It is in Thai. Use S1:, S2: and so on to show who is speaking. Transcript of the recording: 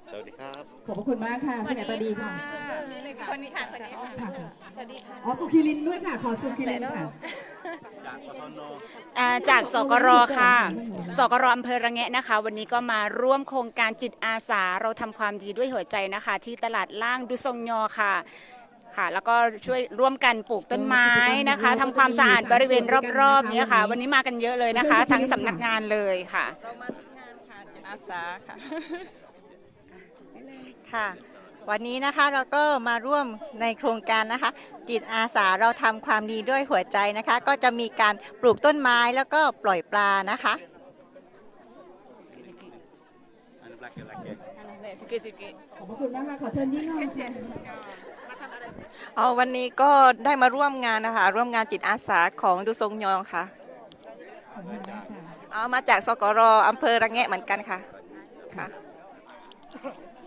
S1: สวัสดีครับ
S2: ขอบพระคุณมากค่ะคุณแอปดีค่ะ
S3: คนนี้ค่ะคนนี้ค่ะสวัสดีค่ะ
S2: อ๋อสุขีรินด้วยค่ะขอสุขีรินค่ะ
S1: จากกทน
S4: จากสกรค่ะสกรอำเภอระแงะนะคะวันนี้ก็มาร่วมโครงการจิตอาสาเราทำความดีด้วยหัวใจนะคะที่ตลาดล่างดุทรงยอค่ะค่ะแล้วก็ช่วยร่วมกันปลูกต้นไม้นะคะทำความสะอาดบริเวณรอบๆนี้ค่ะวันนี้มากันเยอะเลยนะคะทั้งสำนักงานเลยค่ะ
S3: เรามาทุกงานค่ะจิตอาสาค่ะค่ะวันนี้นะคะเราก็มาร่วมในโครงการนะคะจิตอาสาเราทำความดีด้วยหัวใจนะคะก็จะมีการปลูกต้นไม้แล้วก็ปล่อยปลานะคะ
S2: ขอบพระคุณมากค่ะขอเชิญยิ่งหน่อยค่ะ
S5: วันนี้ก็ได้มาร่วมงานนะคะร่วมงานจิตอาสาของดูทรงยองค่ะมาจากสกรอำเภอระแงะเหมือนกันค่ะค่ะ